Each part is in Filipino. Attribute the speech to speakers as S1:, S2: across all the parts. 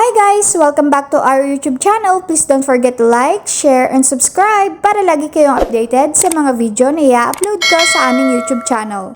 S1: guys! Welcome back to our YouTube channel. Please don't forget to like, share, and subscribe para lagi kayong updated sa mga video na i-upload ko sa aming YouTube channel.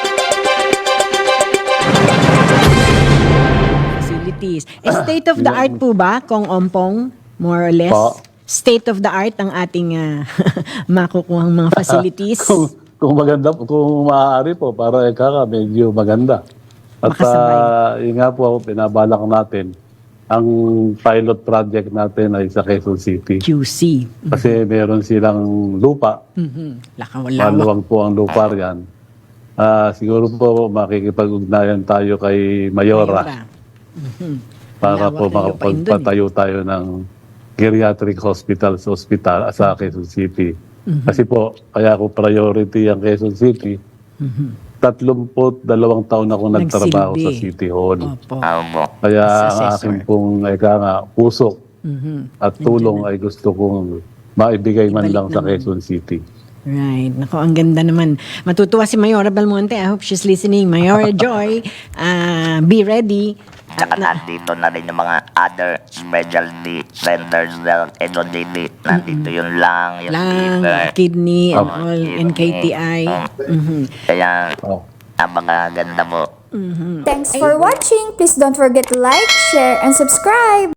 S2: Facilities. State of the art po ba, Kong Ompong? More or less?
S3: Po.
S2: State of the art ang ating makukuhang mga facilities.
S3: Kung maganda, kung maaari po, para medyo maganda. At yun nga po, pinabalak natin, ang pilot project natin ay sa Quezon City.
S2: QC.
S3: Kasi meron silang lupa. Maluwang po ang lupa riyan. Siguro po makikipag-ugnayan tayo kay Mayora. Para po makapagpatayo tayo ng geriatric hospital sa Quezon City. Kasi po, kaya ko priority ang Quezon City. 32 taon ako nagtrabaho sa City Hall.
S2: Opo.
S3: Kaya ang aking pong puso at tulong ay gusto kong maibigay man lang sa Quezon City.
S2: Right. Nako, ang ganda naman. Matutuwa si Mayora Belmonte. I hope she's listening. Mayora Joy, be ready.
S4: Tsaka nandito na rin yung mga other specialty centers ng NODD. Nandito yung lung, yung liver,
S2: kidney, and all, NKTI.
S4: Kaya, ang mga ganda mo.
S1: Thanks for watching. Please don't forget to like, share, and subscribe.